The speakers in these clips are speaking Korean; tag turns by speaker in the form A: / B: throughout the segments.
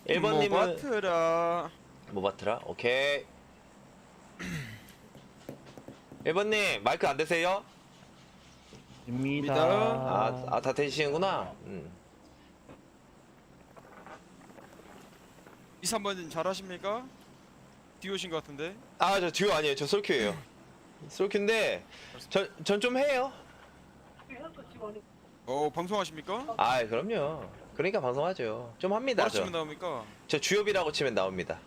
A: 1번님은
B: 모바트라.
A: 모바트라? 오케이. 1번님 마이크 안 되세요?
C: 입니다.
A: 다 되시는구나.
B: 2, 3번님 잘하십니까? 디오신 것 같은데.
A: 저 듀오 아니에요. 저 솔큐예요. 솔큐인데 전 좀 해요.
B: 방송하십니까?
A: 그럼요. 그러니까 방송하죠. 좀 합니다.
B: 뭐라 치면 나옵니까?
A: 저 주요비라고 치면 나옵니다.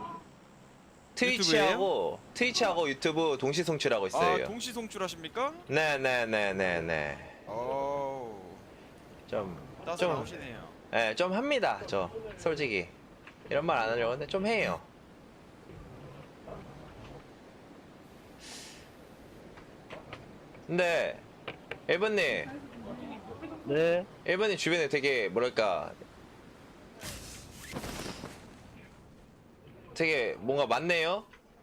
A: 트위치하고 유튜브 동시 송출하고 있어요.
B: 동시 송출하십니까?
A: 네네네네네.
B: 따서 나오시네요.
A: 좀 합니다. 저 솔직히 이런 말 안 하려고 하는데 좀 해요. 근데 1번님
C: 네.
A: 1번님 주변에 되게 뭐랄까 되게 뭔가 많네요.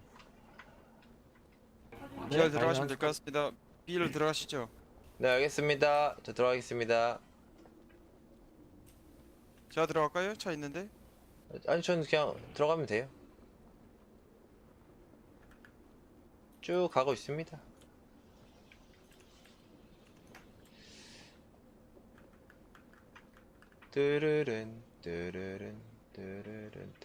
B: B를 들어가시면 될 것 같습니다. B를 들어가시죠.
A: 네 알겠습니다. 저 들어가겠습니다.
B: 제가 들어갈까요? 차 있는데.
A: 아니 저는 그냥 들어가면 돼요. 쭉 가고 있습니다. 뜨르른 뜨르른 뜨르른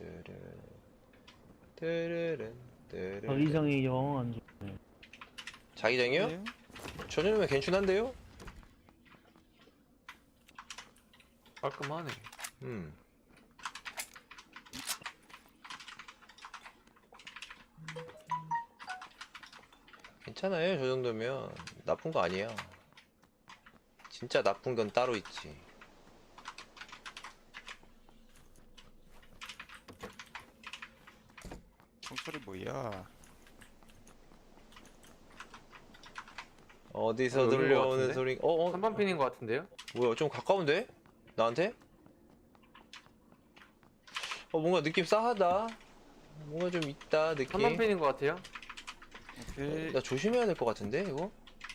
A: 뜨르른 뜨르른
C: 자기장이 영 안 좋네.
A: 자기장이요?
B: 네.
A: 저 정도면 괜찮은데요?
D: 깔끔하네.
A: 괜찮아요. 저 정도면 나쁜 거 아니야. 진짜 나쁜 건 따로 있지.
B: 총소리 뭐야?
A: 어디서
D: 여긴 것
A: 들려오는
D: 같은데?
A: 소리?
D: 3번 핀인 것 같은데요?
A: 뭐야? 좀 가까운데? 나한테? 뭔가 느낌 싸하다. 뭔가 좀 있다 느낌.
D: 3번 핀인 것 같아요?
B: 오케이.
A: 나 조심해야 될 것 같은데 이거?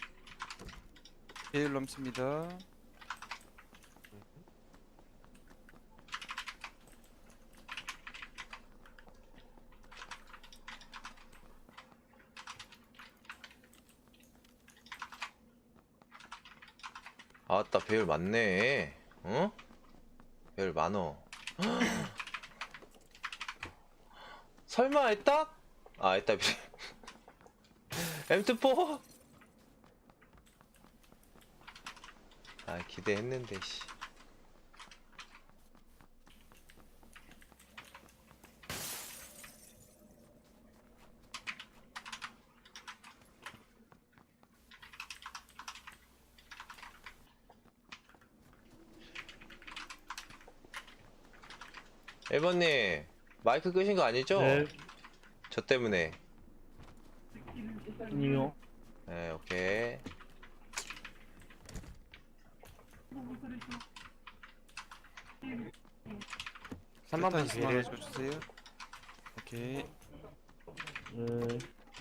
B: 제일 넘습니다.
A: 아따 배율 많네. 어? 배율 많어. 설마 했다? 했다. M24? 기대했는데 씨. 일번님 마이크 끄신 거 아니죠?
C: 네.
A: 저 때문에.
C: 아니요.
A: 네, 오케이.
D: 삼번 핀
B: 일단
D: 배를
B: 줘주세요. 오케이.
C: 네.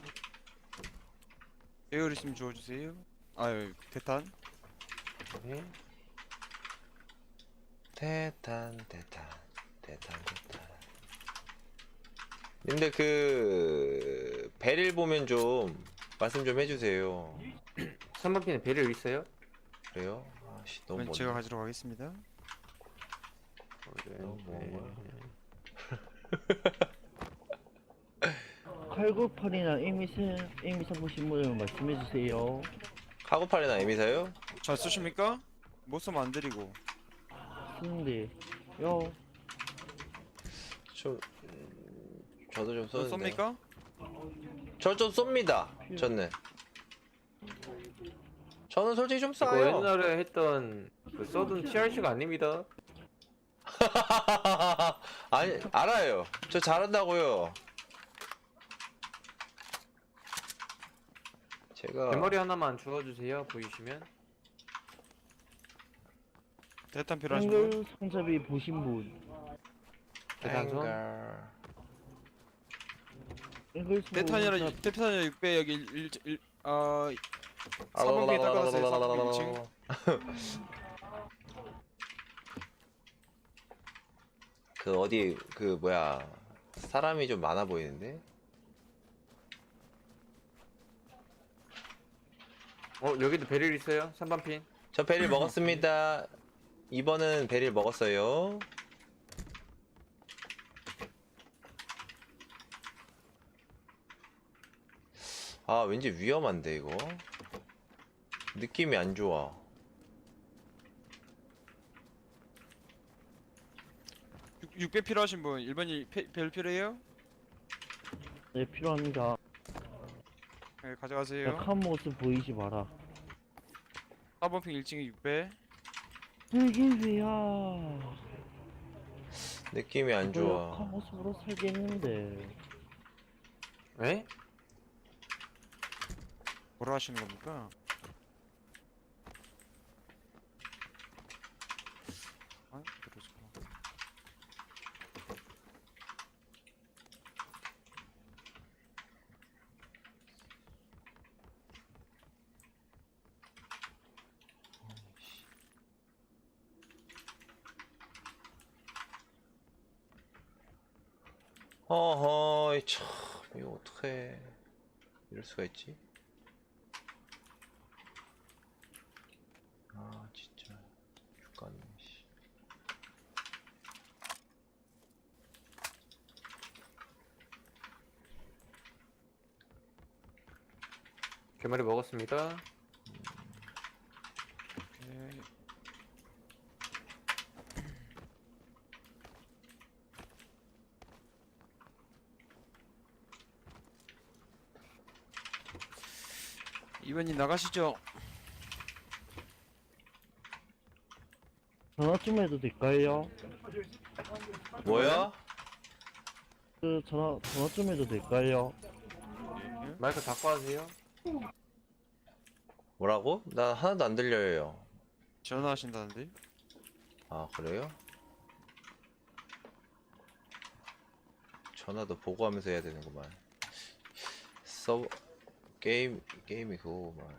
B: 배율 있으면 주워주세요. 대탄.
A: 오케이. 대탄. 근데 배를 보면 좀 말씀 좀 해주세요.
D: 3번 핀에 배를 있어요?
A: 그래요? 너무
B: 그럼
A: 먼데.
B: 제가 가지러 가겠습니다.
A: 너무 먼 거야.
C: 칼국팔이나 에미사 보신 분을 말씀해주세요.
A: 카고팔이나 에미사요?
B: 잘 쓰십니까? 못 쓰면 안 드리고.
C: 쓰는데, 요.
A: 좀 저도 좀
B: 저
A: 쏘는데.
B: 쏩니까?
A: 저 좀 쏩니다. 저는 솔직히 좀
D: 이거
A: 쏴요.
D: 옛날에 했던 그 써둔 TRC가 아닙니다.
A: 아니 알아요. 저 잘한다고요. 제가
D: 대머리 하나만 주워주세요. 보이시면.
B: 대탄 필요하신 분?
C: 한글 손잡이 보신 분.
D: 대단선.
C: 한글
B: 대탄이라 6배 여기 4번 핑에 닦아놨어요. 4번 핑 2층.
A: 그 어디 그 뭐야 사람이 좀 많아 보이는데?
D: 여기도 베릴 있어요? 3번 핀.
A: 저 베릴 먹었습니다. 2번은 베릴 먹었어요. 아 왠지 위험한데 이거 느낌이 안 좋아.
B: 육 6배 필요하신 분 1번이 별 필요해요?
C: 네, 필요합니다.
B: 네,
C: 야,
B: 가져가세요.
C: 칸 모습 보이지 마라.
B: 4번 핑 1층에 6배.
C: 이게 왜야?
A: 느낌이 안
C: 칸
A: 좋아.
C: 모습으로 살겠는데.
D: 에?
B: 뭐라 하시는 겁니까? 아, 그러시구나.
A: 어허 참 이거 어떡해 이럴 수가 있지? 아 진짜 죽겠네 씨.
D: 개머리 먹었습니다.
B: 오케이. 이번님 나가시죠.
C: 전화 좀 해도 될까요?
A: 뭐야?
C: 전화 좀 해도 될까요?
D: 마이크 닫고 하세요.
A: 뭐라고? 나 하나도 안 들려요.
B: 전화하신다는데?
A: 아 그래요? 전화도 보고하면서 해야 되는구만. 서버 게임이 그거구만.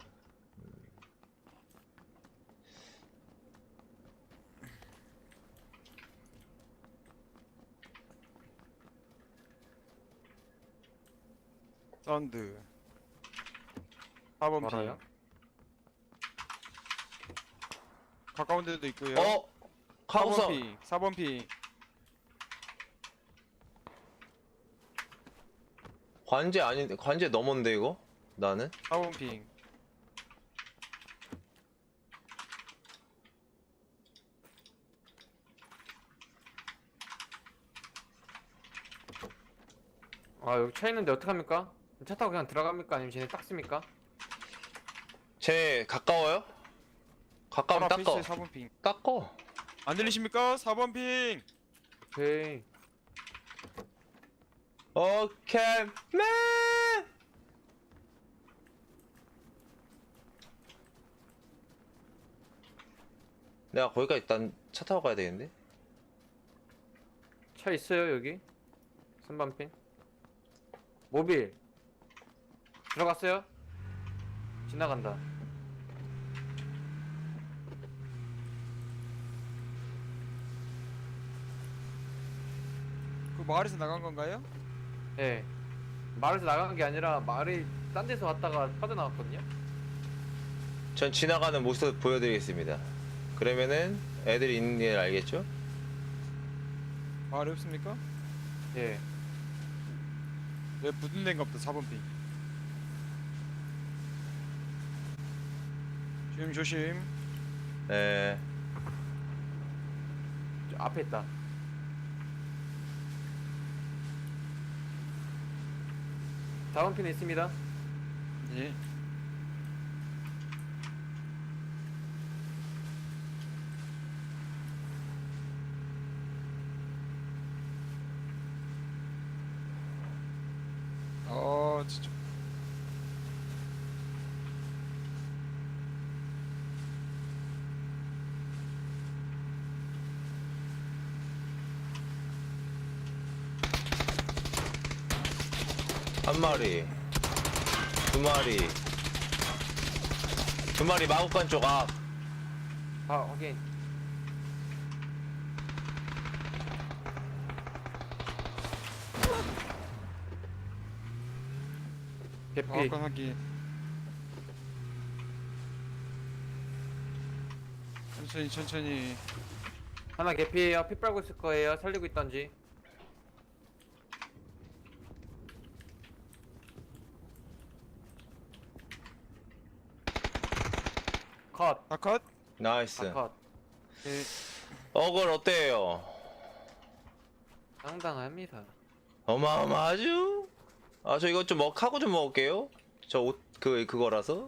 B: 사운드. 4번
D: 뭐라요?
B: 핑. 가까운 데도 있고요. 4번
A: 카우서
B: 핑. 4번 핑.
A: 관제 아닌데 관제 넘었는데 이거? 나는?
B: 4번 핑.
D: 여기 차 있는데 어떡합니까? 차 타고 그냥 들어갑니까? 아니면 쟤네 닦습니까?
A: 쟤 가까워요? 가까우면
B: 바로 앞에
A: 닦어.
B: 있어요, 4번 핑.
A: 닦어.
B: 안 들리십니까? 4번 핑.
D: 오케이.
A: 오케이 맨. 내가 거기까지 일단 차 타고 가야 되겠는데?
D: 차 있어요 여기. 3번 핀. 모빌. 들어갔어요? 지나간다.
B: 그 마을에서 나간 건가요?
D: 예. 마을에서 나간 게 아니라 마을이 딴 데서 왔다가 빠져나왔거든요.
A: 전 지나가는 모습 보여드리겠습니다. 그러면은 애들이 있는 일 알겠죠?
B: 마을에 없습니까?
D: 예.
B: 왜 붙은 데인가 보다 4번 핑. 조심.
A: 에
D: 저 앞에 있다. 다음 핀에 있습니다.
B: 예. 진짜.
A: 한 마리, 두 마리, 두 마리 마구간 쪽 앞.
D: 확인. 개피.
B: 아까 하기. 천천히.
D: 하나 개피예요. 피 빨고 있을 거예요. 살리고 있던지. 컷.
B: 아 컷.
A: 나이스.
D: 컷.
B: 네.
A: 어글 어때요?
D: 상당합니다.
A: 어마어마하죠? 아, 저 이거 좀 하고 좀 먹을게요. 저 옷, 그거라서.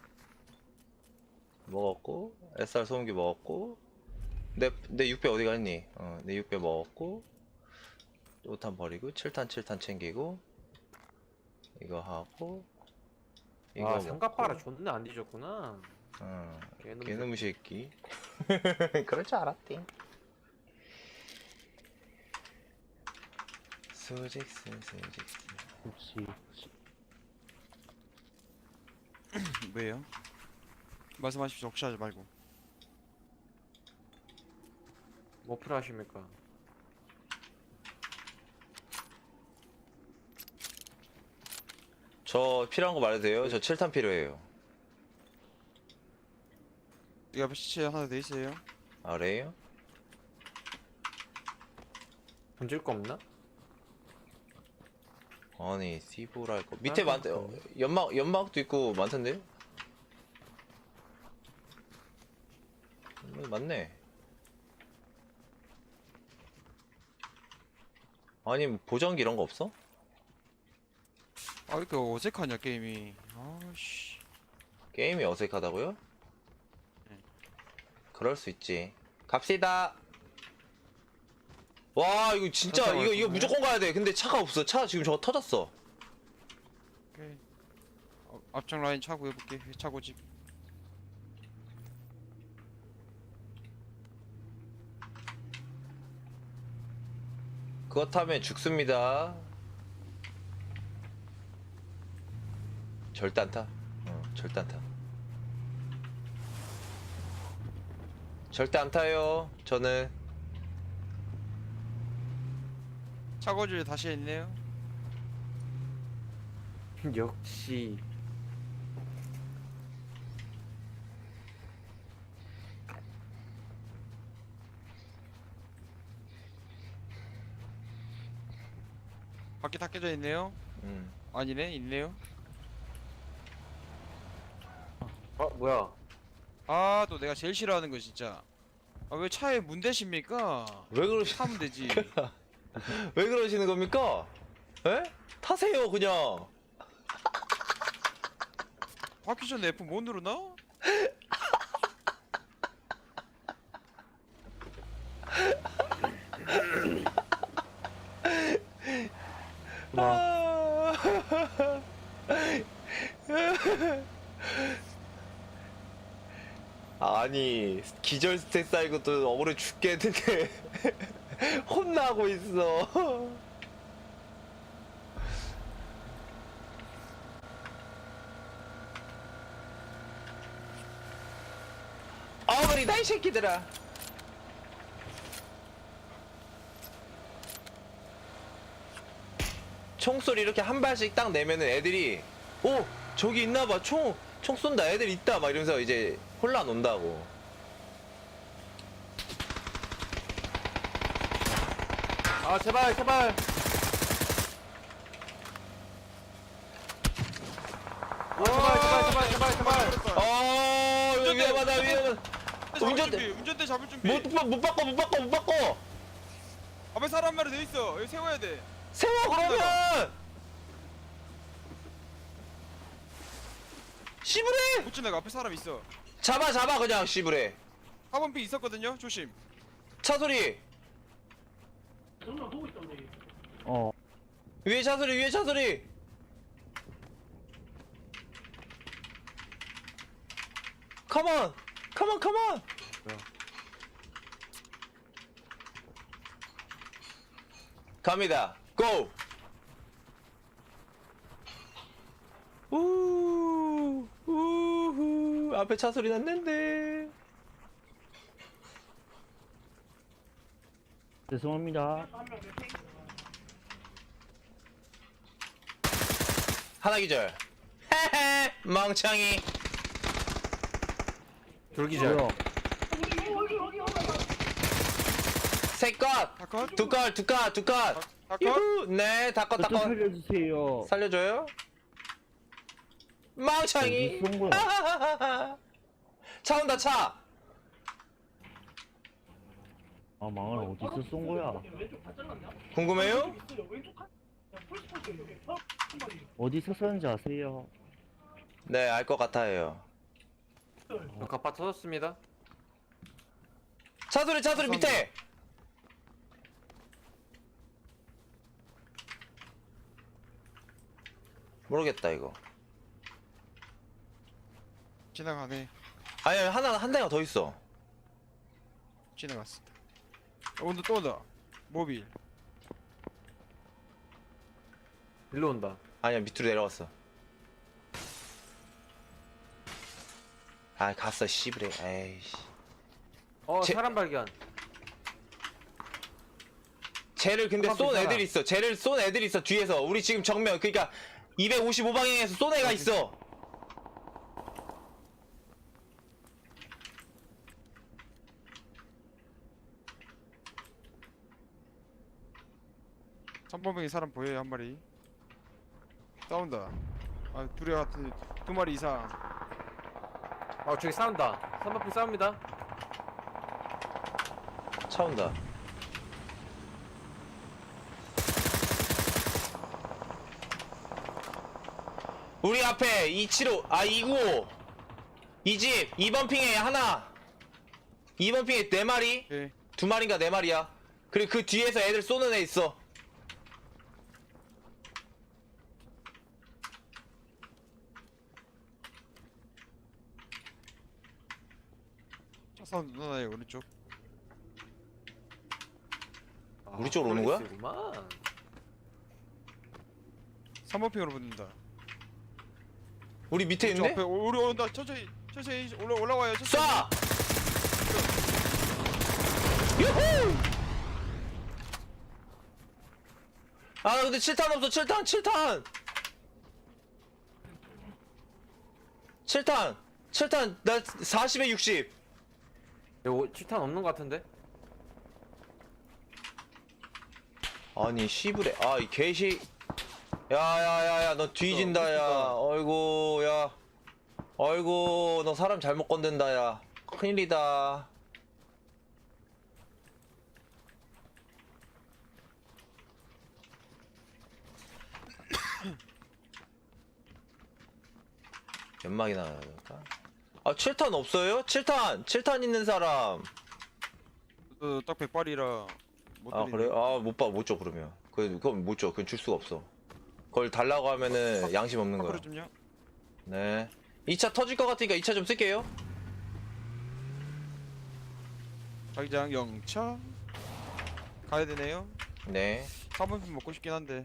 A: 먹었고, SR 소음기 먹었고, 내 6배 어디 갔니? 내 6배 먹었고, 5탄 버리고, 7탄 챙기고, 이거 하고, 이거
D: 와,
A: 먹고.
D: 삼각바라 존나 안 뒤졌구나.
A: 개놈의 새끼. 그럴 줄 알았디. 수직스.
C: 혹시
B: 왜요? 말씀하십시오. 혹시 하지 말고.
D: 뭐 필요하십니까?
A: 저 필요한 거 말해도 돼요? 저 7탄 필요해요.
B: 이 앞에 시체 하나 더 있어요.
A: 아래요?
D: 던질 거 없나?
A: 아니, 씨부랄 거. 밑에
D: 아,
A: 많대요. 연막도 있고 많던데요? 맞네. 아니, 뭐 보정기 이런 거 없어?
B: 아 이렇게 어색하냐 게임이. 아씨.
A: 게임이 어색하다고요?
B: 네.
A: 그럴 수 있지. 갑시다. 와, 이거 진짜
B: 갔다
A: 이거
B: 왔구나.
A: 무조건 가야 돼. 근데 차가 없어. 차 지금 저거 터졌어.
B: 오케이. 앞장 라인 차고 해볼게. 차고집.
A: 그거 타면 죽습니다. 절대 안 타. 절대 안 타. 절대 안 타요. 저는.
B: 차고집에 다시 있네요.
D: 역시.
B: 밖에 다 깨져 있네요. 아니네, 있네요.
D: 뭐야?
B: 아, 또 내가 제일 싫어하는 거 진짜. 아, 왜 차에 문 대십니까?
A: 왜 그러시?
B: 타면 되지.
A: 왜 그러시는 겁니까? 에? 타세요 그냥.
B: 바퀴 전에 F 못 누르나?
C: 와
A: 아니 기절 스택 쌓이고 또 억울해 죽겠는데 혼나고 있어. 어머니다 이 새끼들아. 총소리 이렇게 한 발씩 딱 내면은 애들이 오 저기 있나봐 총 쏜다 애들 있다 막 이러면서 이제 혼란 온다고.
D: 아, 제발. 제발.
A: 아 위험하다 위험하다.
B: 운전대 잡을 준비.
A: 못 바꿔.
B: 앞에 사람 한 마리 더 있어. 여기 세워야 돼.
A: 세워 그러면. 씨부레.
B: 못 지나가. 앞에 사람 있어.
A: 잡아 그냥 씨부레.
B: 4번 핑 있었거든요. 조심.
A: 차 소리.
C: 어
A: 위에 차 소리. 컴온. 갑니다. 고. 우후 앞에 차 소리 났는데.
C: 죄송합니다.
A: 하나 기절. 멍청이.
D: 돌기절.
C: 뭐야?
A: 세 컷.
B: 다 컷?
A: 두 컷, 두 컷, 두 컷.
B: 다 컷?
A: 유후. 네, 다 컷, 다
C: 저좀
A: 컷.
C: 살려주세요.
A: 살려줘요? 멍청이.
C: 어디 쏜 거야?
A: 차 온다, 차.
C: 아 망할 어디서 쏜 거야?
A: 궁금해요?
C: 어디서 쐈는지 아세요?
A: 네, 알 것 같아요.
D: 갑바 터졌습니다.
A: 차 소리, 차 소리 밑에. 모르겠다 이거.
B: 지나가네.
A: 아니 하나 한 대가 더 있어.
B: 지나갔어. 온다 또 온다. 모빌.
D: 일로 온다.
A: 아니야 밑으로 내려갔어. 아 갔어 씨부레. 에이씨.
D: 사람 발견.
A: 쟤를 근데
D: 사람
A: 쏜
D: 있잖아.
A: 애들이 있어. 쟤를 쏜 애들이 있어 뒤에서. 우리 지금 정면 그러니까 255방향에서 쏜 애가 있어.
B: 삼번병이 사람 보여요 한 마리. 싸운다. 아 둘이 같은 두 마리 이상.
D: 저기 싸운다. 3번핑 싸웁니다.
A: 차 온다. 우리 앞에 275, 295. 이 집 2번 핑에 하나. 2번 핑에 4마리.
B: 오케이.
A: 2마리인가 4마리야. 그리고 그 뒤에서 애들 쏘는 애 있어.
B: 차 사운드 누나의 오른쪽.
A: 우리 쪽으로 오는 거야?
D: 폴리스구만.
B: 3번핑으로 붙는다.
A: 우리 밑에
B: 저
A: 있네?
B: 앞에 우리 온다. 천천히 올라와요.
A: 쏴!
B: 천천히.
A: 유후! 아 근데 7탄 없어 7탄 7탄 나 40에 60.
D: 이거 7탄 없는 것 같은데?
A: 아니 씨부레 이 개시. 야야야야 너 뒤진다 야. 어이구 야. 어이구 너 사람 잘못 건든다 야. 큰일이다. 연막이나 나갈까? 7탄 없어요? 7탄 있는 사람.
B: 딱 100발이라 못
A: 아
B: 드리네.
A: 그래? 못 줘 그러면. 그건 못 줘. 그건 줄 수가 없어. 그걸 달라고 하면은 양심 없는 거야.
B: 밖으로 좀요.
A: 네. 2차 터질 것 같으니까 2차 좀 쓸게요.
B: 자기장 영차 가야 되네요.
A: 네.
B: 3번핑 먹고 싶긴 한데.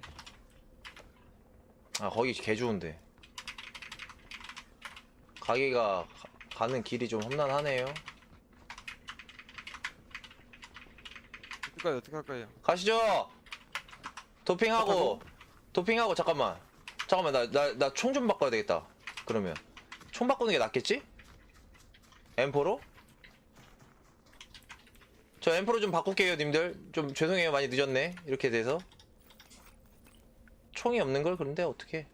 A: 거기 개 좋은데. 가게가 가는 길이 좀 험난하네요.
B: 어떻게 할까요?
A: 가시죠. 도핑하고 잠깐만 나 총 좀 바꿔야 되겠다. 그러면 총 바꾸는 게 낫겠지? M4로? 저 M4로 좀 바꿀게요 님들. 좀 죄송해요 많이 늦었네 이렇게 돼서. 총이 없는 걸 그런데 어떻게?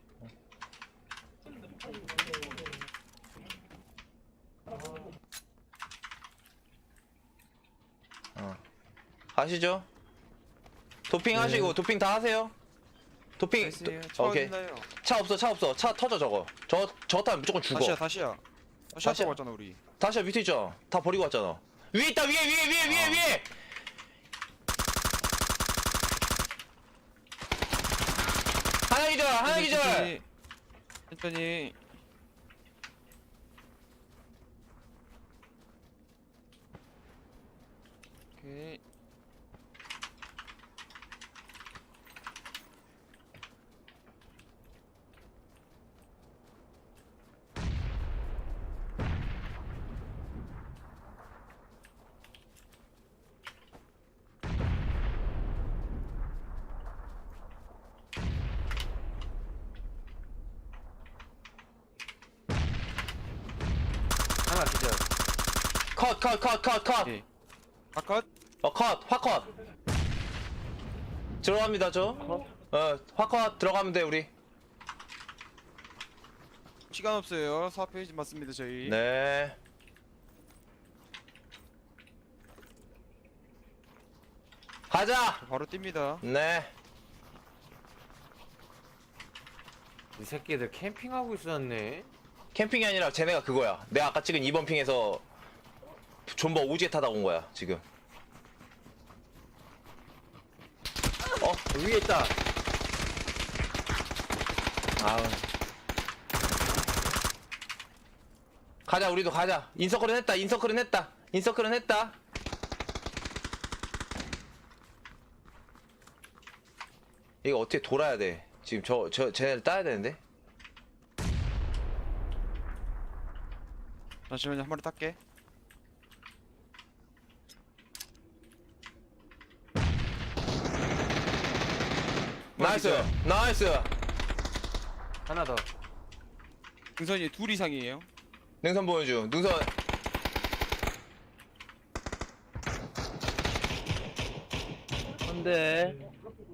A: 가시죠. 도핑 하시고 도핑 다 하세요. 도핑.
B: 나이스요. 차
A: 오케이.
B: 어딨나요?
A: 차 없어. 차 터져 저거. 저거 타면 무조건 죽어.
B: 다시야.
A: 다시야.
B: 타고 왔잖아 우리.
A: 다시야 밑에 있죠. 다 버리고 왔잖아. 위에 있다 위에. 하나 기절.
B: 천천히. 오케이.
A: 컷.
B: 예. 아컷.
A: 화컷. 들어갑니다, 저. 화컷 들어가면 돼, 우리.
B: 시간 없어요. 4페이지 맞습니다 저희.
A: 네. 가자!
B: 바로 뜁니다.
A: 네.
D: 이 새끼들 캠핑하고 있었네.
A: 캠핑이 아니라 쟤네가 그거야. 내가 아까 찍은 2번 핑에서 존버 오지에 타다 온 거야, 지금.
D: 위에 있다.
A: 아우. 가자, 우리도 가자. 인서클은 했다. 이거 어떻게 돌아야 돼? 지금 쟤네를 따야 되는데?
B: 잠시만요 한 마리 딸게.
A: 나이스.
D: 하나 더.
B: 능선이 둘 이상이에요.
A: 능선 보여줘. 능선.
C: 안돼.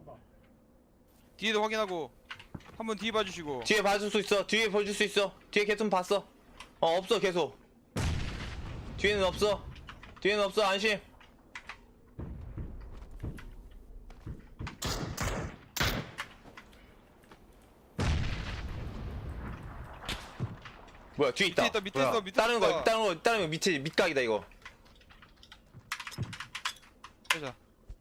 B: 뒤에도 확인하고 한번 뒤에 봐주시고.
A: 뒤에 봐줄 수 있어. 뒤에 보여줄 수 있어. 뒤에 계속 봤어. 없어, 계속. 뒤에는 없어. 안심. 뭐야, 뒤에 있다.
B: 밑에 있어.
A: 다른 거 밑에 밑각이다, 이거.
B: 빼자.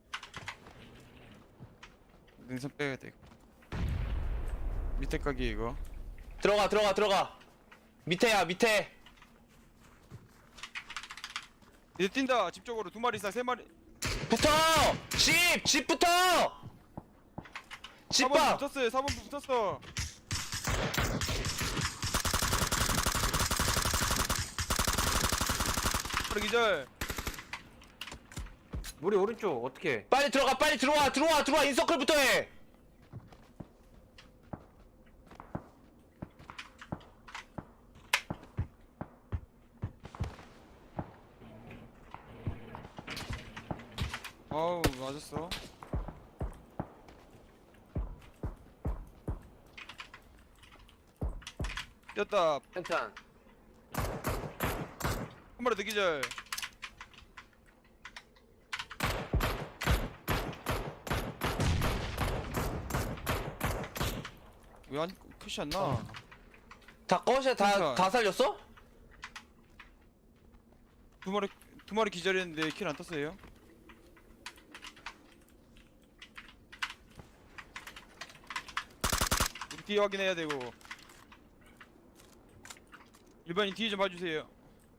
B: 능선 빼야 돼. 밑에 각이 이거.
A: 들어가. 밑에.
B: 이제 뛴다. 집 쪽으로 두 마리 이상 세 마리.
A: 붙어! 집부터!
B: 4번
A: 집봐!
B: 붙었어요. 4번 붙었어. 바로 기절.
D: 우리 오른쪽 어떻게?
A: 빨리 들어와! 인서클부터 해!
B: 아우 맞았어. 뛰었다.
D: 괜찮.
B: 한 마리 더 기절. 왜안 컷이 안 나?
A: 다 꺼셔, 다 살렸어?
B: 두 마리 기절했는데 킬 안 떴어요. 우리 뒤에 확인해야 되고. 일반인 뒤에 좀 봐주세요.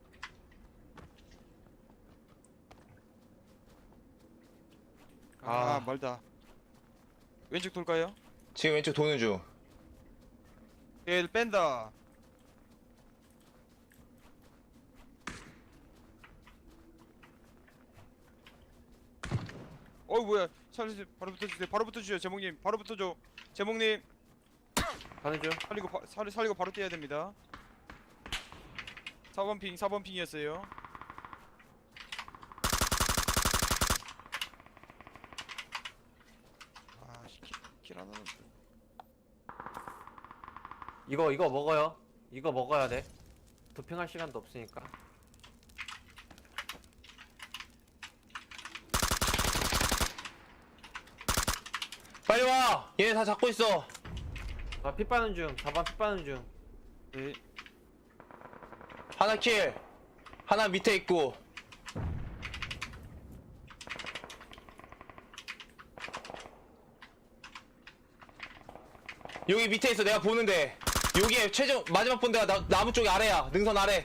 A: 아.
B: 멀다. 왼쪽 돌까요?
A: 지금 왼쪽 도는 중.
B: 얘를 뺀다. 뭐야? 살려주세요. 바로 붙어주세요. 바로 붙어주세요. 제목님. 바로 붙어줘. 제목님.
D: 가는 중.
B: 살리고 바로 뛰어야 됩니다. 4번 핑이었어요. 킬 하나는.
D: 이거 먹어요. 이거 먹어야 돼. 도핑할 시간도 없으니까.
A: 빨리 와! 얘네 다 잡고 있어.
D: 피 빠는 중. 4번 피 빠는 중.
B: 네.
A: 하나 킬. 하나 밑에 있고. 여기 밑에 있어. 내가 보는데. 여기에 최종 마지막 본 데가 나무 쪽에 아래야. 능선 아래.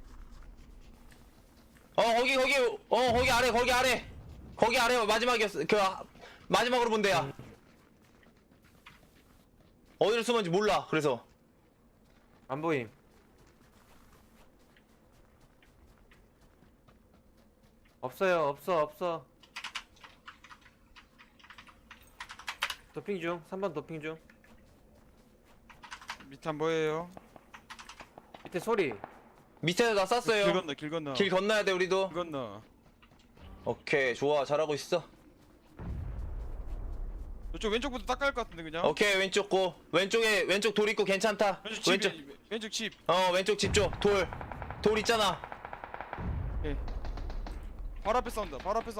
A: 거기 아래. 거기 아래 마지막이었어. 마지막으로 본 데야. 어디로 숨었는지 몰라. 그래서
D: 안 보임. 없어요. 없어. 도핑 중. 3번 도핑 중.
B: 밑에 안 보여요.
D: 밑에 소리.
A: 밑에서 나 쐈어요.
B: 길 건너.
A: 길 건너야 돼 우리도.
B: 길 건너.
A: 오케이 좋아 잘하고 있어.
B: 이쪽 왼쪽부터 닦아야 할 것 같은데 그냥.
A: 오케이 왼쪽 고 왼쪽 돌 있고 괜찮다.
B: 왼쪽 집.
A: 왼쪽 집 쪽 돌 있잖아.
B: 예. 바로 앞에 사운드.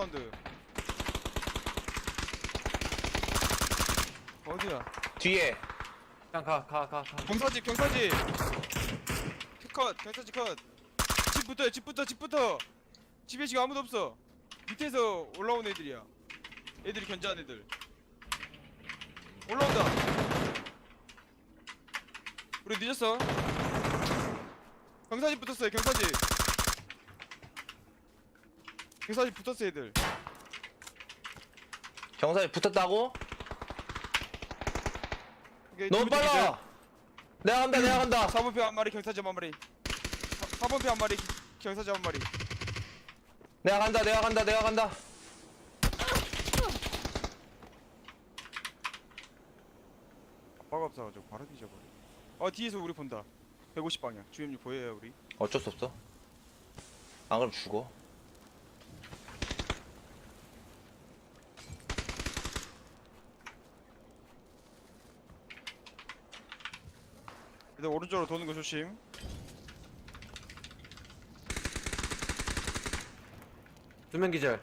B: 어디야?
A: 뒤에
D: 그냥 가.
B: 경사집. 컷. 경사집 컷. 집부터. 집에 지금 아무도 없어. 밑에서 올라온 애들이야. 애들이 견제한 애들. 올라온다. 우리 늦었어. 경사집 붙었어요. 경사집 붙었어 애들.
A: 경사에 붙었다고?
B: 오케이,
A: 너무
B: 뒤부터 기절.
A: 빨라. 내가 간다.
B: 4번표 한 마리, 경사집 한 마리. 4번표 한 마리, 경사집 한 마리.
A: 내가 간다.
B: 아빠가 없어가지고 바로 뒤져버려. 뒤에서 우리 본다. 150방향. 주임님 보여요 우리.
A: 어쩔 수 없어. 안 그럼 죽어.
B: 근데 오른쪽으로 도는 거 조심.
D: 두 명 기절.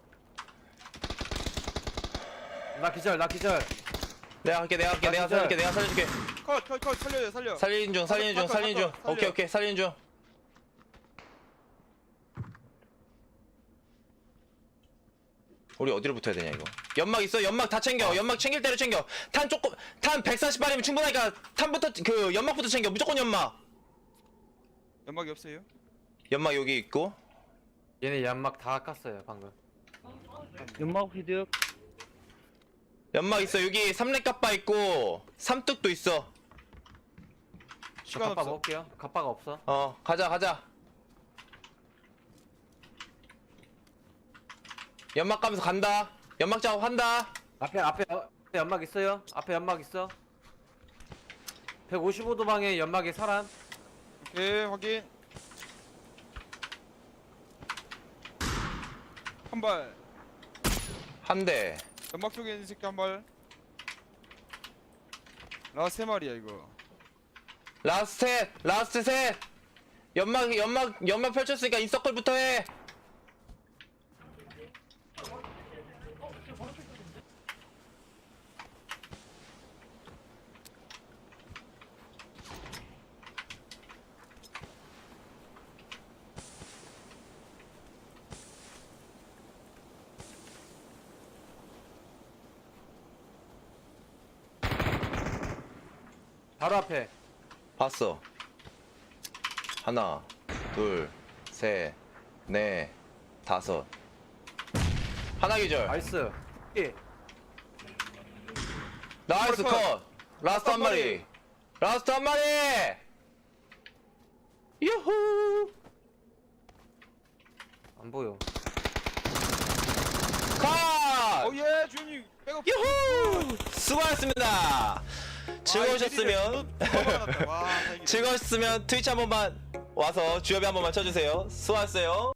D: 나 기절.
A: 내가 살려줄게.
B: 컷 살려.
A: 살리는 중.
B: 살려.
A: 오케이 살리는 중. 우리 어디로 붙어야 되냐 이거. 연막 있어. 연막 다 챙겨. 연막 챙길 대로 챙겨. 탄 140발이면 충분하니까 탄부터 그 연막부터 챙겨. 무조건 연막.
B: 연막이 없어요?
A: 연막 여기 있고.
D: 얘네 연막 다 깠어요 방금.
C: 연막 휘득.
A: 연막 있어. 여기 3렙 갑바 있고 3뚝도 있어.
B: 시간
D: 갑바
B: 없어.
D: 먹을게요. 갑바가 없어.
A: 가자. 연막 가면서 간다. 연막 작업한다.
D: 앞에 연막 있어요. 앞에 연막 있어. 155도 방에 연막에 사람.
B: 오케이 확인. 한 발.
A: 한 대.
B: 연막 쪽에 있는 새끼 한 발. 세 마리야 이거.
A: 라스트 셋. 연막 펼쳤으니까 인서클부터 해.
D: 바로 앞에.
A: 봤어. 하나, 둘, 셋, 넷, 다섯. 하나 기절.
D: 나이스. 예.
A: 나이스
B: 컷.
A: 컷. 라스트 한 마리. 유후.
D: 안 보여.
A: 컷.
B: 오예 주임님 백업.
A: 유후. 수고하셨습니다. 즐거우셨으면
B: 와, 다행이다.
A: 즐거우셨으면 트위치 한 번만 와서 주엽이 한 번만 쳐주세요. 수고하셨어요.